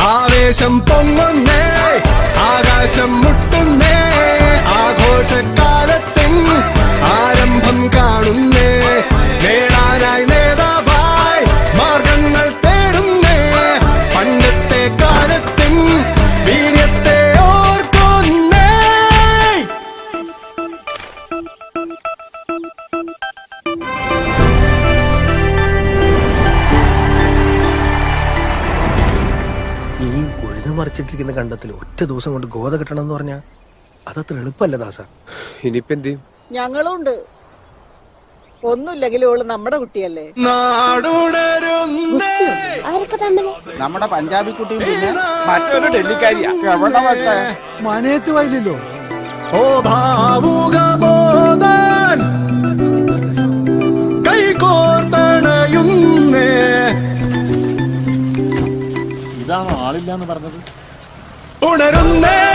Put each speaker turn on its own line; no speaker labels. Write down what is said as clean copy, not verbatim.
ആവേശം പൊങ്ങുന്നേ, ആകാശം മുട്ടുന്നേ, ആഘോഷക്കാലത്തിൻ ആരംഭം കാണുന്നേ, നേടാനായി നേതാവായി മാർഗങ്ങൾ തേടുന്നേ, പണ്ടത്തെ കാലത്തിൻ വീര്യത്തെ ഓർക്കുന്നേ.
ഈ ഉഴുതുമറിച്ചിട്ടിരിക്കുന്ന കണ്ടത്തിൽ ഒറ്റ ദിവസം കൊണ്ട് ഗോത കിട്ടണം എന്ന് പറഞ്ഞാൽ അതത്ര എളുപ്പമല്ല ദാസ.
ഇനിയിപ്പോ എന്ത് ചെയ്യും?
ഞങ്ങളുണ്ട്. ഒന്നുമില്ലെങ്കിലും ഓള് നമ്മുടെ കുട്ടിയല്ലേ.
നമ്മുടെ പഞ്ചാബി കുട്ടിയും പിന്നെ മറ്റൊരു ഡൽഹിക്കാരിയാ. എവിടെ വെച്ചേ
മനയത്ത് വയലില്ലോ.
ഓ ഭാവുക ബോധൻ കൈകോർത്തണയുന്നേ.
ഇതാണ് ആളില്ലാന്ന് പറഞ്ഞത്.
ഉണരുന്നേ